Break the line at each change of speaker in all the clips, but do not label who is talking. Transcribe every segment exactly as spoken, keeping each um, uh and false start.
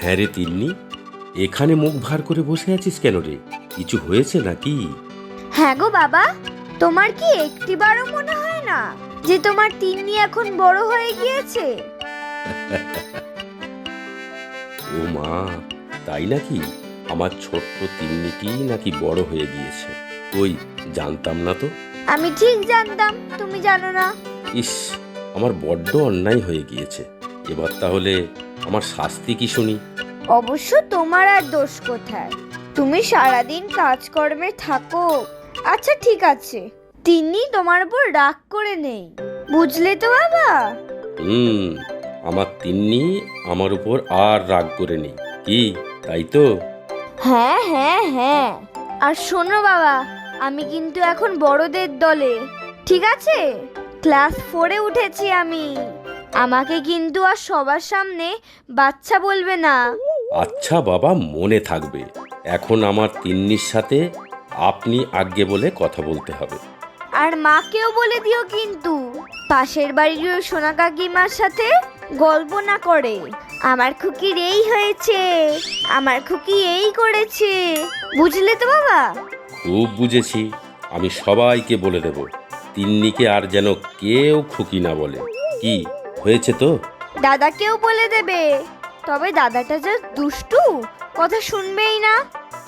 হ্যাঁ রে তিন্নি, এখানে মুখ ভার করে বসে আছিস কেন রে? কিছু হয়েছে নাকি?
হ্যাঁ গো বাবা, তোমার কি একটিবারও মনে হয় না যে তোমার তিন্নি এখন বড় হয়ে গিয়েছে?
ও মা, তাই নাকি? আমার ছোট্ট তিন্নিটি নাকি বড় হয়ে গিয়েছে? ওই, জানতাম না তো।
আমি ঠিক জানতাম তুমি জানো না।
ইস, আমার বড্ড অন্যায় হয়ে গিয়েছে। এবার তাহলে আমার শাস্তি কি শুনি?
অবশ্য তোমার আর দোষ কোথায়? তুমি সারাদিন কাজকর্মে থাকো। আচ্ছা ঠিক আছে, তিন্নি তোমার উপর রাগ করে নেই, বুঝলে তো বাবা?
হুম, আমার তিন্নি আমার উপর আর রাগ করে নেই, কি তাই তো?
হ্যাঁ হ্যাঁ হ্যাঁ। আর শোনো বাবা, আমি কিন্তু এখন বড়দের দলে, ঠিক আছে? ক্লাস ফোরে উঠেছি আমি। আমাকে কিন্তু আর সবার সামনে বাচ্চা বলবে না।
আচ্ছা বাবা, মনে থাকবে। এখন আমার তিন্নির সাথে আপনি আজ্ঞে বলে কথা বলতে হবে।
আর মাকেও বলে দিও কিন্তু পাশের বাড়ির ওই সোনা কাকিমার সাথে গল্প না করে। আমার খুকির এই হয়েছে, আমার খুকি এই করেছে, বুঝলে তো বাবা?
খুব বুঝেছি, আমি সবাইকে বলে দেব তিন্নিকে আর যেন কেউ খুকি না বলে। কি হয়েছে তো?
দাদাকেও বলে দেবে, তবে দাদাটা যা দুষ্টু, কথা শুনবেই না।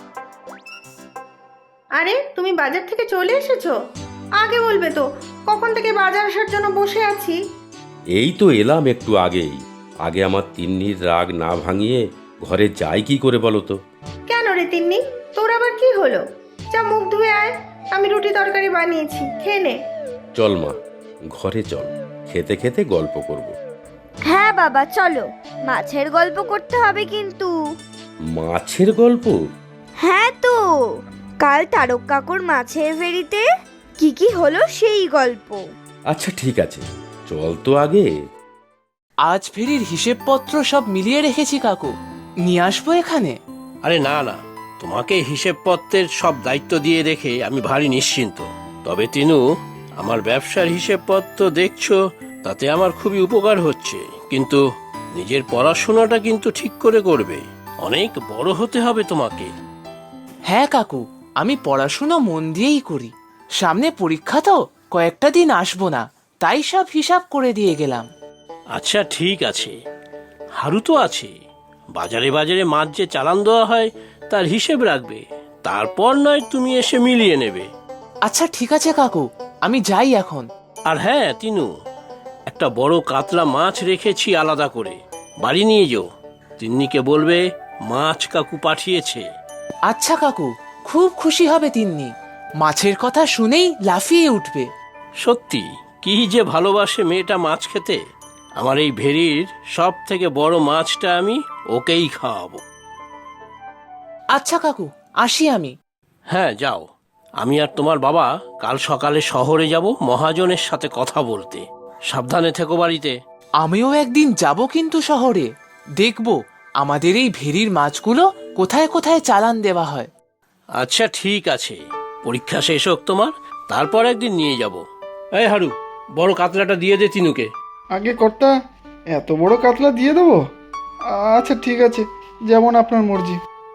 আরে তুমি বাজার থেকে চলে এসেছো? আগে বলবে তো, কখন থেকে বাজার আসার জন্য বসে আছি।
এই তো এলাম একটু আগেই। আগে আমার তিন্নির রাগ না ভাঙিয়ে ঘরে যাই কি করে বলো তো?
কেন রে তিন্নি, তোর আবার কি হলো? যা মুখ ধুয়ে আয়, আমি রুটি তরকারি বানিয়েছি, খেয়ে নে।
চল মা, ঘরে চল, খেতে খেতে গল্প করব।
হ্যাঁ বাবা চলো, মাছের গল্প করতে হবে কিন্তু।
মাছের গল্প?
হ্যাঁ তো, কাল তারক কাকুর মাছের ফেরিতে কি কি হলো সেই গল্প।
আচ্ছা ঠিক আছে, চল তো আগে।
আজ ফেরির হিসেবপত্র সব মিলিয়ে রেখেছি কাকু, নিয়ে আসবো এখানে।
আরে না না, তোমাকে হিসেবপত্রের সব দায়িত্ব দিয়ে রেখে আমি ভারী নিশ্চিন্ত। তবে তিনু, আমার ব্যবসার হিসেবপত্র দেখছো, তাতে আমার খুবই উপকার হচ্ছে। কিন্তু নিজের পড়াশোনাটা কিন্তু ঠিক করে করবে, অনেক বড় হতে হবে তোমাকে।
হ্যাঁ কাকু, আমি পড়াশুনো মন দিয়েই করি। সামনে পরীক্ষা তো, কয়েকটা দিন আসবো না, তাই সব হিসাব করে দিয়ে গেলাম।
আচ্ছা ঠিক আছে, হারু তো আছে, বাজারে বাজারে মাছ যে চালান দেওয়া হয় তার হিসেব রাখবে, তারপর নয় তুমি এসে মিলিয়ে নেবে।
আচ্ছা ঠিক আছে কাকু, আমি যাই এখন।
আর হ্যাঁ তিনু, একটা বড় কাতলা মাছ রেখেছি আলাদা করে, বাড়ি নিয়ে যাও। তিন্নিকে বলবে মাছ কাকু পাঠিয়েছে।
আচ্ছা কাকু, খুব খুশি হবে তিন্নি, মাছের কথা শুনেই লাফিয়ে উঠবে।
সত্যি কি যে ভালোবাসে মেয়েটা মাছ খেতে। আমার এই ভেরির সব থেকে বড় মাছটা আমি ওকেই খাওয়াবো।
আচ্ছা কাকু, আসি আমি।
হ্যাঁ যাও, আমি আর তোমার বাবা কাল সকালে শহরে যাব মহাজনের সাথে কথা বলতে। সাবধানে থেকো বাড়িতে।
আমিও একদিন যাব কিন্তু শহরে, দেখব আমাদের এই ভেরির মাছগুলো কোথায় কোথায় চালান দেওয়া হয়।
আচ্ছা ঠিক আছে, পরীক্ষা শেষ হোক তোমার, তারপর একদিন নিয়ে যাব। এই হারু, বড় কাতলাটা দিয়ে দে তিনুকে।
আগে কর্তা, এত বড় কাতলা দিয়ে দেবো? আচ্ছা ঠিক আছে, যেমন আপনার মর্জি।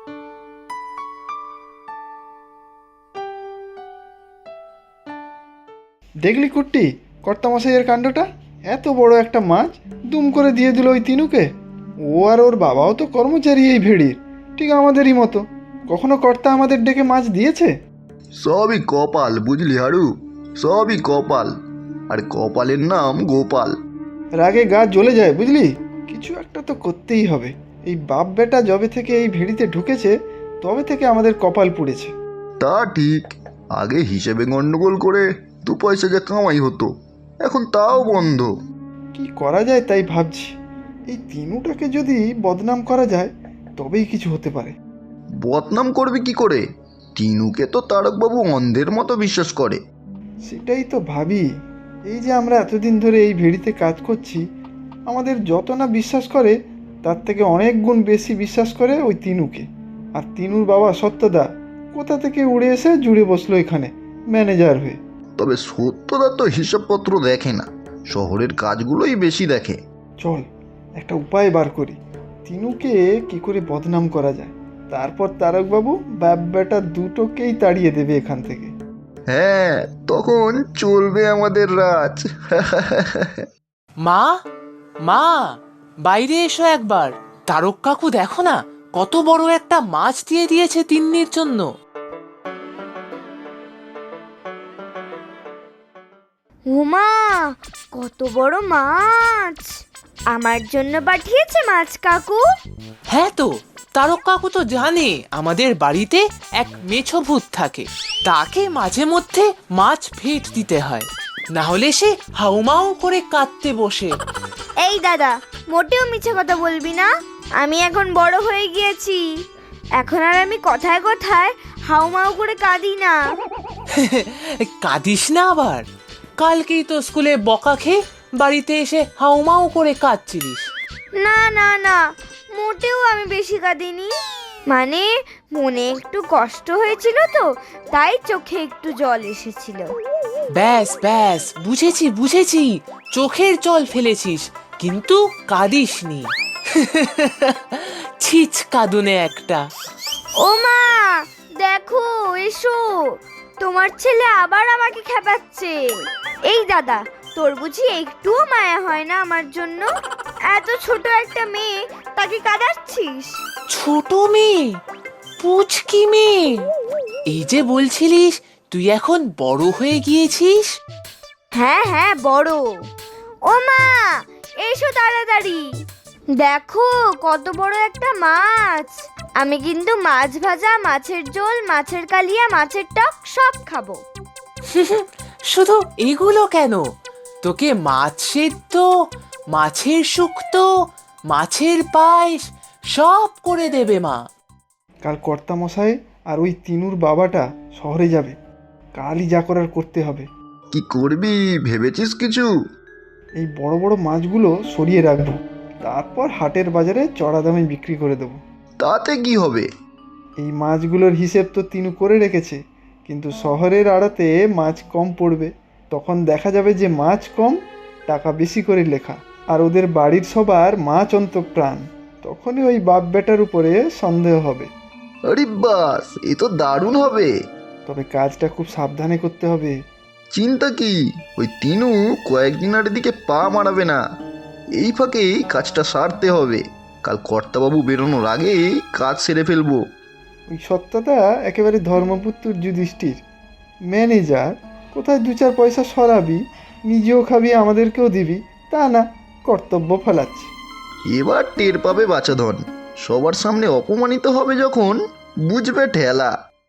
দেখলি কুট্টি, কর্তামশাইয়ের কাণ্ডটা? এত বড় একটা মাছ দুম করে দিয়ে দিল ওই তিনুকে। ও আর ওর বাবাও তো কর্মচারী এই ভেড়ির, ঠিক আমাদেরই মতো। কখনো কর্তা আমাদের ডেকে মাছ দিয়েছে?
সবই কপাল, বুঝলি হারু, সবই কপাল। আর কপালের নাম গোপাল।
রাগে গা জ্বলে যায় বুঝলি। কিছু একটা তো করতেই হবে। এই বাপ বেটা যবে থেকে এই ভেড়িতে ঢুকেছে, তবে থেকে আমাদের কপাল পুড়েছে।
তা ঠিক, আগে হিসেবে গন্ডগোল করে দু পয়সা যা কামাই হতো, এখন তাও বন্ধ।
কি করা যায় তাই ভাবছি। এই তিনুটাকে যদি বদনাম করা যায়, তবেই কিছু হতে পারে।
বদনাম করবি কি করে? টিনুকে তো তারকবাবু অন্ধের মতো বিশ্বাস করে।
সেটাই তো ভাবি। এই যে আমরা এতদিন ধরে এই ভেড়িতে কাজ করছি, আমাদের যত না বিশ্বাস করে, তার থেকে অনেক গুণ বেশি বিশ্বাস করে ওই তিনুকে। আর তিনুর বাবা সত্যদা কোথা থেকে উড়ে এসে জুড়ে বসলো এখানে ম্যানেজার হয়ে।
তবে সত্যদা তো হিসাবপত্র দেখে না, শহরের কাজগুলোই বেশি দেখে।
চল একটা উপায় বার করি। তিনুকে কি করে বদনাম করা যায়। তারপর তারকবাবু বাপ বেটা দুটোকেই তাড়িয়ে দেবে এখান থেকে।
হ্যাঁ, তখন চলবে আমাদের রাজ।
মা মা বাইরে এসো একবার। তারক কাকু দেখো না, কত বড় একটা মাছ দিয়ে দিয়েছে তিন্নির জন্য।
উমা, কত বড় মাছ! আমার জন্য পাঠিয়েছে মাছ কাকু?
হ্যাঁ তো, তারক কাকু তো জানে আমাদের বাড়িতে এক মেছো ভূত থাকে, তাকে মাঝে মধ্যে মাছ ফেট দিতে হয়, না হলে সে হাউমাউ করে কাঁদতে বসে।
এই দাদা, মোটেও মিছে কথা বলবি না। আমি এখন বড় হয়ে গিয়েছি, এখন আর আমি কথায় কথায় হাউমাউ করে কাঁদি না।
কাঁদিস না আবার, কালকেই তো স্কুলে বকা খেয়ে বাড়িতে এসে হাউমাউ করে কাঁদছিলিস।
না না না, মোটেও আমি বেশি কাঁদিনি। মানে মনে একটু কষ্ট হয়েছিল তো, তাই চোখে একটু জল এসেছিল।
ব্যাস ব্যাস, বুঝেছি বুঝেছি, চোখের জল ফেলেছিস কিন্তু কাঁদিসনি। ছিচ কাঁদুনে একটা।
ও মা, দেখো, এসো, তোমার ছেলে আবার আমাকে খেপাচ্ছে। এই দাদা, তোর বুঝি একটুও মায়া হয় না আমার জন্য? এত ছোট একটা মেয়ে, তাকে কাঁদাচ্ছিস?
ছোট মেয়ে? পুচকি মেয়ে? এই যে বলছিলিস তুই এখন বড় হয়ে গিয়েছিস।
হ্যাঁ হ্যাঁ, বড়। ও মা, এসো তাড়াতাড়ি, দেখো কত বড় একটা মাছ। আমি কিন্তু মাছ ভাজা, মাছের ঝোল, মাছের কালিয়া, মাছের টক সব খাবো।
শুধু এগুলো কেন, তোকে মাছ সেদ্ধ, মাছের শুক্তো, মাছের পায়েস সব করে দেবে মা।
কাল কর্তামশাই আর ওই তিনুর বাবাটা শহরে যাবে, কালই যা করার করতে হবে।
কি করবি ভেবেছিস কিছু?
এই বড় বড় মাছগুলো সরিয়ে রাখবো, তারপর হাটের বাজারে চড়া দামে বিক্রি করে দেবো।
তাতে কি হবে?
এই মাছগুলোর হিসেব তো তিনু করে রেখেছে, কিন্তু শহরের আড়তে মাছ কম পড়বে। তখন দেখা যাবে যে মাছ কম, টাকা বেশি করে লেখা, আর ওদের বাড়ির সবার মাছ অন্তঃপ্রাণ। তখনই ওই বাপ বেটার উপরে সন্দেহ হবে।
আরে বাস, এ তো দারুণ হবে।
তবে কাজটা খুব সাবধানে করতে হবে।
চিন্তা কি, ওই তিনু কয়েকদিন আর এদিকে পা মারাবে না। এই ফাঁকেই কাজটা সারতে হবে। কাল কর্তাবাবু বেরোনোর আগেই কাজ সেরে ফেলবো।
ওই সত্যটা একেবারে ধর্মপুত্র যুধিষ্ঠির। ম্যানেজার, কোথায় দু চার পয়সা সরাবি, নিজেও খাবি আমাদেরকেও দিবি, তা না, কর্তব্য ফেলাচ্ছি।
এবার টের পাবে বাচাধন, সবার সামনে অপমানিত হবে যখন, বুঝবে ঠেলা।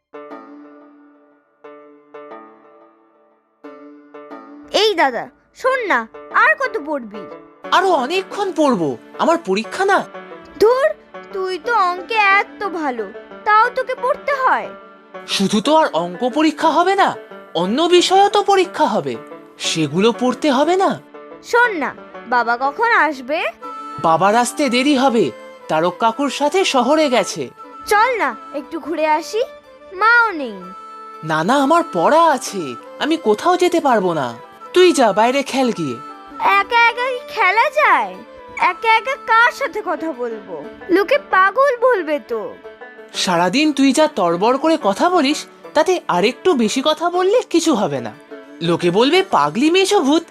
এই দাদা, শোন না, আর কত পড়বি?
আরো অনেকক্ষণ পড়বো, আমার পরীক্ষা না।
ধুর, তুই তো অঙ্কে এত ভালো, তাও তোকে পড়তে হয়?
শুধু তো আর অঙ্ক পরীক্ষা হবে না, অন্য বিষয়ও তো পরীক্ষা হবে, সেগুলো পড়তে হবে না?
শোন না, বাবা কখন আসবে?
বাবার আসতে দেরি হবে, তারক কাকুর সাথে শহরে গেছে।
চল না একটু ঘুরে আসি, মাও নেই।
না না, আমার পড়া আছে, আমি কোথাও যেতে পারবো না। তুই যা বাইরে খেল গিয়ে।
একা একা কি খেলা যায়? একা একা কার সাথে কথা বলবো? লোকে পাগল বলবে তো।
সারাদিন তুই যা তড়বড় করে কথা বলিস, তাতে আরেকটু বেশি কথা বললে কিছু হবে না, লোকে বলবে পাগলি মেছো ভূত।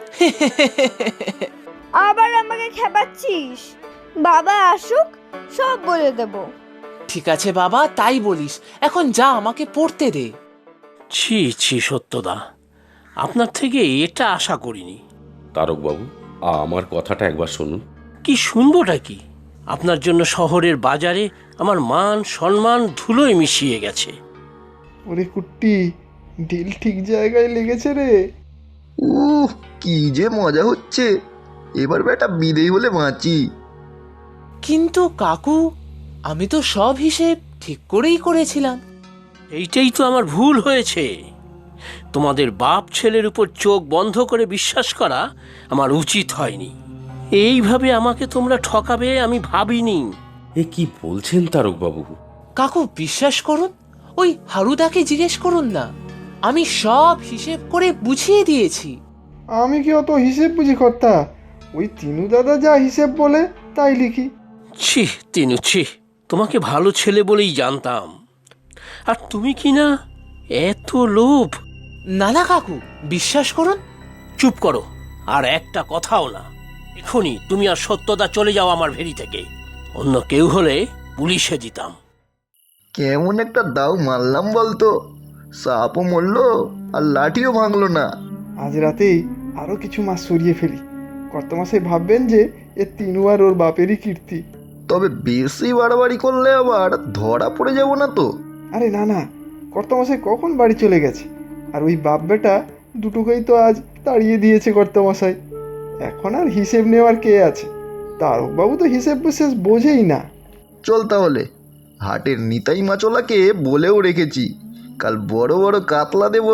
আবার আমাকে খেপাচ্ছিস? বাবা আসুক, সব বলে দেব।
ঠিক আছে বাবা, তাই বলিস, এখন যা আমাকে পড়তে দে।
ছি ছি সত্যদা, আপনার থেকে এটা আশা করিনি।
তারকবাবু, আ- আমার কথাটা একবার শুনুন।
কি শুনবোটা কি? আপনার জন্য শহরের বাজারে আমার মান সম্মান ধুলোয় মিশিয়ে গেছে।
ওরে কুট্টি, ডিল ঠিক জায়গায় লেগেছে রে।
উহ, কি যে মজা হচ্ছে। এবার বেটা বিদেয় হলে বাঁচি।
কিন্তু কাকু, আমি তো সব হিসেব ঠিক করেই করেছিলাম।
এইটাই তো আমার ভুল হয়েছে। তোমাদের বাপ ছেলের উপর চোখ বন্ধ করে বিশ্বাস করা আমার উচিত হয়নি। এইভাবে আমাকে তোমরা ঠকাবে আমি ভাবিনি।
এ কি বলছেন তারকবাবু?
কাকু বিশ্বাস করুন, ওই হারুদাকে জিজ্ঞেস করুন না, আমি সব হিসেব করে বুঝিয়ে দিয়েছি।
আমি কি অত হিসেব বুঝি কর্তা? ওই তিনু দাদা যা হিসেব বলে তাই লিখি।
ছি তিনু, ছি, তোমাকে ভালো ছেলে বলেই জানতাম, আর তুমি কি না এত লোভ।
না না কাকু, বিশ্বাস করুন।
চুপ করো, আর একটা কথাও না। এখনই তুমি আর সত্যদা চলে যাও আমার ভেড়ি থেকে। অন্য কেউ হলে পুলিশে দিতাম।
কেমন একটা দাও মারলাম বলতো, সাপও মরলো আর লাঠিও ভাঙলো না।
আজ রাতেই আরও কিছু মাছ সরিয়ে ফেলি। কর্তামশাই ভাববেন যে এ তিনু আর ওর বাপেরই কীর্তি।
তবে বেশি বাড়াবাড়ি করলে আবার ধরা পড়ে যাব না তো?
আরে না না, কর্তামশাই কখন বাড়ি চলে গেছে, আর ওই বাপ বেটা দুটোকেই তো আজ তাড়িয়ে দিয়েছে কর্তামশাই। এখন আর হিসেব নেওয়ার কে আছে? তারকবাবু তো হিসেব বিশেষ বোঝেই না।
চল তাহলে, হাটের নিতাই মাচলাকে বলেও রেখেছি কাল বড় বড় কাতলা দেব।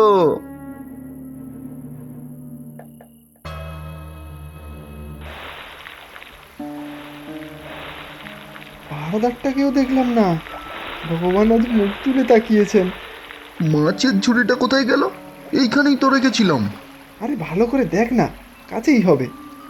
পাহাড়দারটাকেও দেখলাম না। ভগবান আজ মুখ তুলে তাকিয়েছেন।
মাছের ঝুড়িটা কোথায় গেল? এইখানেই তো রেখেছিলাম।
আরে ভালো করে দেখ না, কাছেই হবে।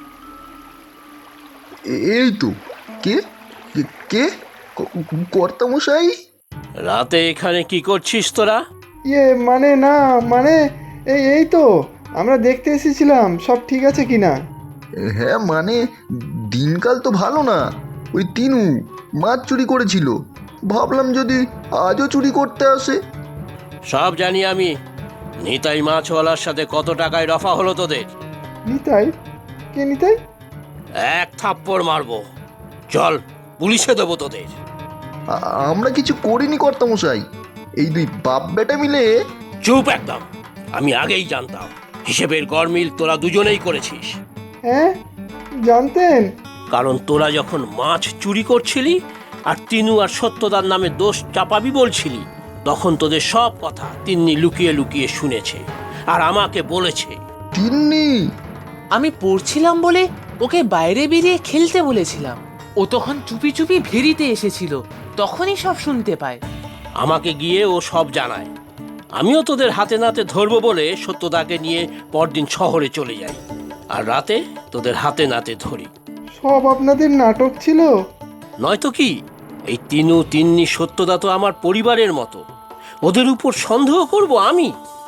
এ- এই তো। কে কে- কে ক- কর্তামশাই?
রাতে এখানে কি করছিস তোরা?
ইয়ে মানে না, মানে এই এই তো আমরা দেখতে এসেছিলাম সব ঠিক আছে কি না।
হ্যাঁ মানে দিনকাল তো ভালো না। ওই তিনু মাছ চুরি করেছিল, ভাবলাম যদি আজও চুরি করতে আসে।
সব জানি আমি। নিতাই মাছওয়ালার সাথে কত টাকায় রফা হলো তোদের?
নিতাই? কে নিতাই?
এক থাপ্পড় মারবো। চল, পুলিশে দেবো তোদের।
আ- আমরা কিছু করিনি কর্তামশাই, এই দুই বাপ বেটা মিলে।
চুপ একদম। আমি আগেই জানতাম হিসেবের গরমিল তোরা দুজনেই করেছিস।
হ্যাঁ জানতেন?
কারণ তোরা যখন মাছ চুরি করছিলি আর তিনু আর সত্যদার নামে দোষ চাপাবি বলছিলি, তখন তোদের সব কথা তিন্নি লুকিয়ে লুকিয়ে শুনেছে আর আমাকে বলেছে।
তিন্নি?
আমি পড়ছিলাম বলে ওকে বাইরে বেরিয়ে খেলতে বলেছিলাম। ও তখন চুপি চুপি ভেরিতে এসেছিল, তখনই সব শুনতে পায়।
আমাকে গিয়ে ও সব জানায়। আমিও তোদের হাতে নাতে ধরবো বলে সত্যদাকে নিয়ে পরদিন শহরে চলে যাই, আর রাতে তোদের হাতে নাতে ধরি।
সব আপনাদের নাটক ছিল?
নয়তো কি? এই তিনু তিন্নি সত্যদা তো আমার পরিবারের মতো। ওদের উপর সন্দেহ করব আমি?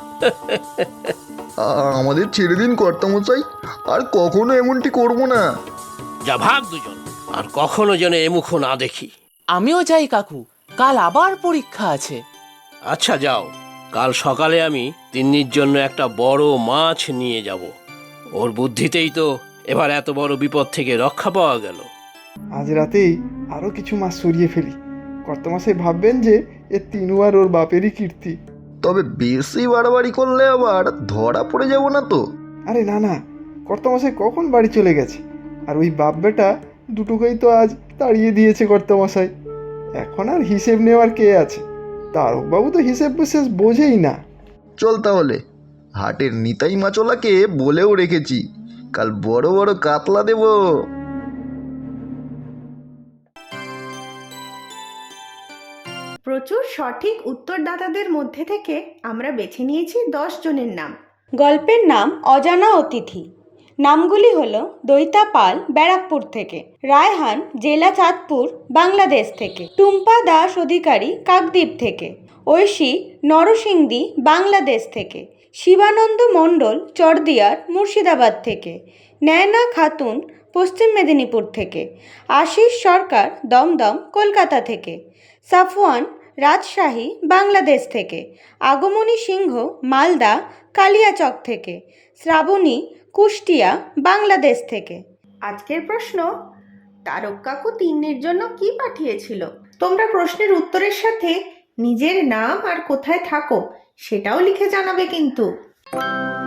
আ- আমাদের ছেড়ে দিন কর্তামশাই, আর কখনো এমনটি করব না।
যা ভাগ দুজন, আর কখনো যেন এমুখো না দেখি।
আমিও যাই কাকু, কাল আবার পরীক্ষা আছে।
আচ্ছা যাও, কাল সকালে আমি তিন্নির জন্য একটা বড় মাছ নিয়ে যাব। ওর বুদ্ধিতেই তো এবার এত বড় বিপদ থেকে রক্ষা পাওয়া গেল।
আজ রাতেই আরও কিছু মাছ সরিয়ে ফেলি। কর্তামশাই ভাববেন যে এ তিনু আর ওর বাপেরই কীর্তি।
তবে বেশি বাড়াবাড়ি করলে আবার ধরা পড়ে যাব না তো?
আরে না না, কর্তামশাই কখন বাড়ি চলে গেছে, আর ওই বাপ বেটা দুটোকেই তো আজ তাড়িয়ে দিয়েছে কর্তামশাই। এখন আর হিসেব নেওয়ার কে আছে? তারকবাবু তো হিসেব বিশেষ বোঝেই না।
চল তাহলে, হাটের নিতাই মাচলাকে বলেও রেখেছি কাল বড় বড় কাতলা দেব।
প্রচুর সঠিক উত্তরদাতাদের মধ্যে থেকে আমরা বেছে নিয়েছি দশ জনের নাম।
গল্পের নাম অজানা অতিথি। নামগুলি হলো দৈতা পাল ব্যারাকপুর থেকে, রায়হান জেলা চাঁদপুর বাংলাদেশ থেকে, টুম্পা দাস অধিকারী কাকদ্বীপ থেকে, ঐশী নরসিংদী বাংলাদেশ থেকে, শিবানন্দ মণ্ডল চরদিয়ার মুর্শিদাবাদ থেকে, নয়না খাতুন পশ্চিম মেদিনীপুর থেকে, আশিস সরকার দমদম কলকাতা থেকে, সাফওয়ান রাজশাহী বাংলাদেশ থেকে, আগমনী সিংহ মালদা কালিয়াচক থেকে, শ্রাবণী কুষ্টিয়া বাংলাদেশ থেকে।
আজকের প্রশ্ন, তারক কাকু তিন্নির জন্য কি পাঠিয়েছিল? তোমরা প্রশ্নের উত্তরের সাথে নিজের নাম আর কোথায় থাকো সেটাও লিখে জানাবে কিন্তু।